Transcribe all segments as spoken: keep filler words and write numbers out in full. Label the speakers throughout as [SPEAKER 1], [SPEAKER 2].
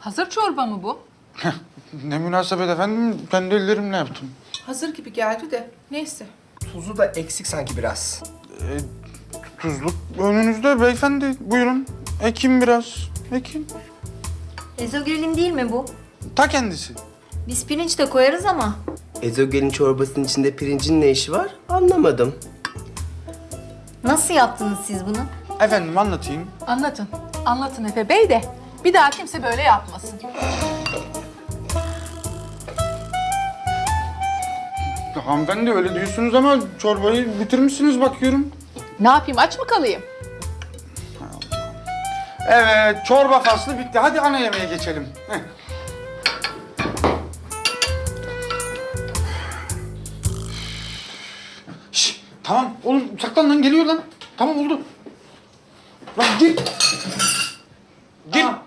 [SPEAKER 1] Hazır çorba mı bu?
[SPEAKER 2] Ne münasebet efendim, kendi ellerimle yaptım.
[SPEAKER 1] Hazır gibi geldi de. Neyse.
[SPEAKER 3] Tuzu da eksik sanki biraz.
[SPEAKER 2] Ee, tuzluk önünüzde beyefendi, buyurun. Ekin biraz, ekin.
[SPEAKER 4] Ezogelin değil mi bu?
[SPEAKER 2] Ta kendisi.
[SPEAKER 4] Biz pirinç de koyarız ama.
[SPEAKER 3] Ezogelin çorbasının içinde pirincin ne işi var? Anlamadım.
[SPEAKER 4] Nasıl yaptınız siz bunu?
[SPEAKER 2] Efendim anlatayım.
[SPEAKER 1] Anlatın. Anlatın Efe Bey de. Bir daha kimse böyle yapmasın.
[SPEAKER 2] Hanımefendi öyle diyorsunuz ama çorbayı bitirmişsiniz bakıyorum.
[SPEAKER 1] Ne yapayım, aç mı kalayım?
[SPEAKER 2] Evet, çorba faslı bitti. Hadi ana yemeğe geçelim. Heh. Şş, tamam oğlum saklan lan, geliyor lan. Tamam oldu. Lan gir. Gir.
[SPEAKER 5] Aa.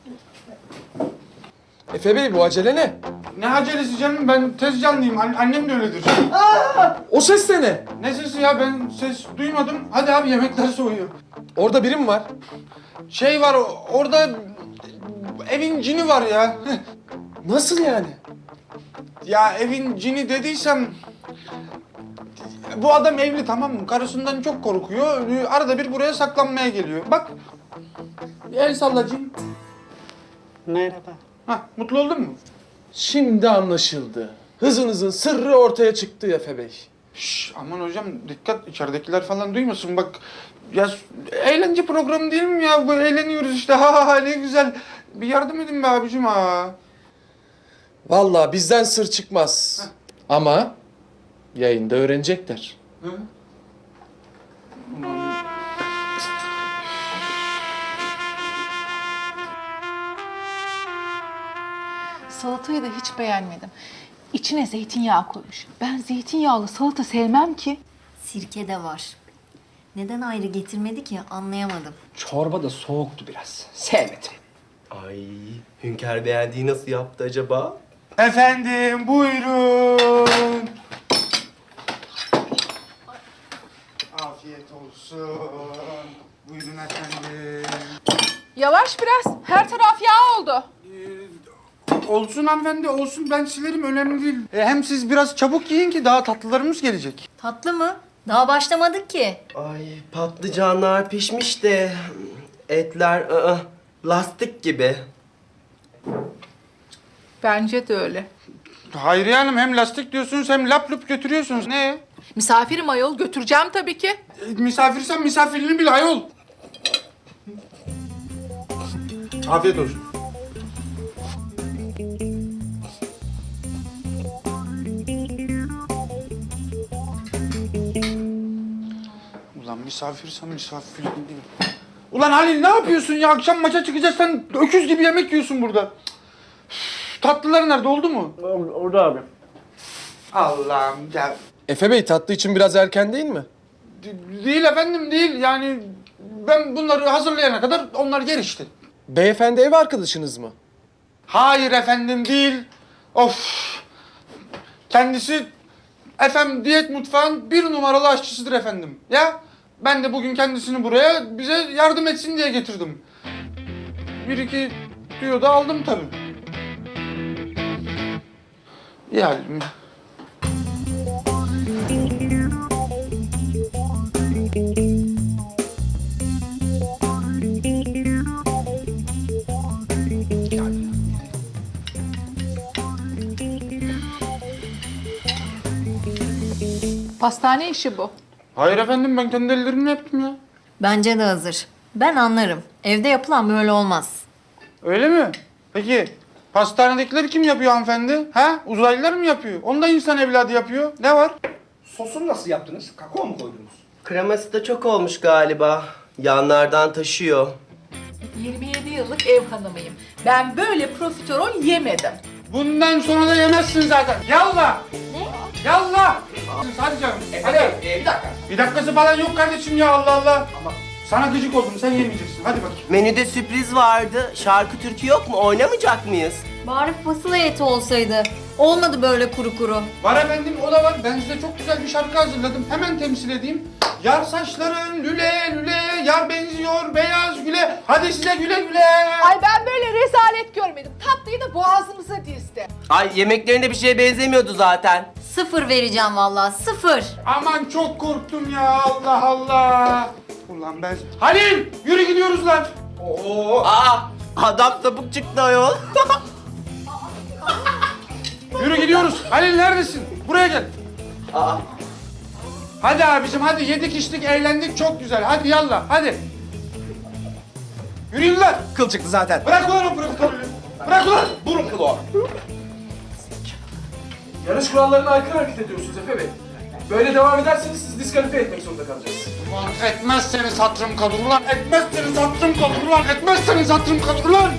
[SPEAKER 5] Efe Bey bu acele ne?
[SPEAKER 2] Ne acelesi canım, ben tez canlıyım. An- annem de öyledir.
[SPEAKER 5] O ses de ne?
[SPEAKER 2] Ne sesi ya, ben ses duymadım. Hadi abi, yemekler soğuyor.
[SPEAKER 5] Orada biri mi var?
[SPEAKER 2] Şey var o- orada, evin cini var ya.
[SPEAKER 5] Nasıl yani?
[SPEAKER 2] Ya evin cini dediysem... Bu adam evli, tamam mı? Karısından çok korkuyor. Arada bir buraya saklanmaya geliyor. Bak. El sallacığım.
[SPEAKER 6] Merhaba.
[SPEAKER 2] Hah, mutlu oldun mu?
[SPEAKER 5] Şimdi anlaşıldı. Hızınızın sırrı ortaya çıktı Efe Bey.
[SPEAKER 2] Şş, aman hocam dikkat, içeridekiler falan duymasın. Bak ya, eğlence programı değil mi ya? Bu eğleniyoruz işte. Ha ha, ne güzel. Bir yardım edin be abicim ha.
[SPEAKER 5] Vallahi bizden sır çıkmaz. Ama yayında öğrenecekler.
[SPEAKER 2] Hı? Ulan.
[SPEAKER 1] Salatayı da hiç beğenmedim. İçine zeytinyağı koymuş. Ben zeytinyağlı salata sevmem ki.
[SPEAKER 4] Sirke de var. Neden ayrı getirmedi ki anlayamadım.
[SPEAKER 6] Çorba da soğuktu biraz. Sevmedim.
[SPEAKER 3] Ay, Hünkar beğendiği nasıl yaptı acaba?
[SPEAKER 2] Efendim buyurun. Afiyet olsun. Buyurun efendim.
[SPEAKER 1] Yavaş biraz. Her taraf yağ oldu.
[SPEAKER 2] Olsun hanımefendi, olsun. Ben silerim, önemli değil. E, hem siz biraz çabuk yiyin ki daha tatlılarımız gelecek.
[SPEAKER 4] Tatlı mı? Daha başlamadık ki.
[SPEAKER 3] Ay, patlıcanlar pişmiş de etler ı-ı, lastik gibi.
[SPEAKER 1] Bence de öyle.
[SPEAKER 2] Hayriye Hanım, hem lastik diyorsunuz hem lap lup götürüyorsunuz. Ne?
[SPEAKER 1] Misafirim ayol, götüreceğim tabii ki.
[SPEAKER 2] E, misafirsen misafirini bil ayol. Afiyet olsun. Ulan misafirsen misafirini bil. Ulan Halil, ne yapıyorsun ya? Akşam maça çıkacağız, sen öküz gibi yemek yiyorsun burada. Üf, tatlılar nerede, oldu mu?
[SPEAKER 6] Orada abi.
[SPEAKER 2] Allah'ım ya.
[SPEAKER 5] Efe Bey tatlı için biraz erken değil mi?
[SPEAKER 2] De- Değil efendim, değil. Yani ben bunları hazırlayana kadar onlar yer işte.
[SPEAKER 5] Beyefendi ev arkadaşınız mı?
[SPEAKER 2] Hayır efendim, değil. Of. Kendisi efendim diyet mutfağın bir numaralı aşçısıdır efendim. Ya ben de bugün kendisini buraya bize yardım etsin diye getirdim. Bir iki tüyo da aldım tabii. Yani
[SPEAKER 1] Pastane işi bu.
[SPEAKER 2] hayır efendim, ben kendi ellerimle yaptım ya.
[SPEAKER 4] Bence de hazır. Ben anlarım. Evde yapılan böyle olmaz.
[SPEAKER 2] Öyle mi? Peki pastanedekileri kim yapıyor hanımefendi? Ha? Uzaylılar mı yapıyor? Onu da insan evladı yapıyor. Ne var?
[SPEAKER 6] Sosunu nasıl yaptınız? Kakao mu koydunuz?
[SPEAKER 3] Kreması da çok olmuş galiba. Yanlardan taşıyor.
[SPEAKER 1] yirmi yedi yıllık ev hanımıyım. Ben böyle profiterol yemedim.
[SPEAKER 2] Bundan sonra da yemezsin zaten. Yallah! Ne? Yallah! Hadi canım. Hadi.
[SPEAKER 6] Ee, bir dakika.
[SPEAKER 2] Bir dakikası falan yok kardeşim ya, Allah Allah. Ama sana gıcık oldum, sen yemeyeceksin. Hadi bakayım.
[SPEAKER 3] Menüde sürpriz vardı. Şarkı türkü yok mu? Oynamayacak mıyız?
[SPEAKER 4] Bari fasulye eti olsaydı. Olmadı böyle kuru kuru.
[SPEAKER 2] Var efendim, o da var. Ben size çok güzel bir şarkı hazırladım. Hemen temsil edeyim. Yar saçların lüle lüle, yar benziyor beyaz güle. Hadi size güle güle.
[SPEAKER 1] Ay ben böyle rezalet görmedim. Tatlıyı da boğazımıza dizdi.
[SPEAKER 3] Ay yemeklerinde bir şeye benzemiyordu zaten.
[SPEAKER 4] Sıfır vereceğim vallahi, sıfır.
[SPEAKER 2] Aman çok korktum ya, Allah Allah. Ulan ben... Halil yürü gidiyoruz lan. Oo.
[SPEAKER 3] Aa, adam sapık çıktı ayol.
[SPEAKER 2] Yürü gidiyoruz. Halil neredesin? Buraya gel.
[SPEAKER 3] Aa,
[SPEAKER 2] Hadi abicim hadi, yedik içtik eğlendik çok güzel. Hadi yallah hadi. Yürüyün lan.
[SPEAKER 6] Kıl çıktı zaten.
[SPEAKER 2] Bırak ulan o profiterolü. Bırak ulan.
[SPEAKER 6] Burun kılı o.
[SPEAKER 5] Yarış kurallarına aykırı hareket ediyorsunuz Efe Bey. Böyle devam ederseniz sizi diskalifiye etmek zorunda kalacağız.
[SPEAKER 2] Ulan etmezseniz hatırım kalır ulan. Etmezseniz hatırım kalır ulan. Etmezseniz hatırım kalır ulan.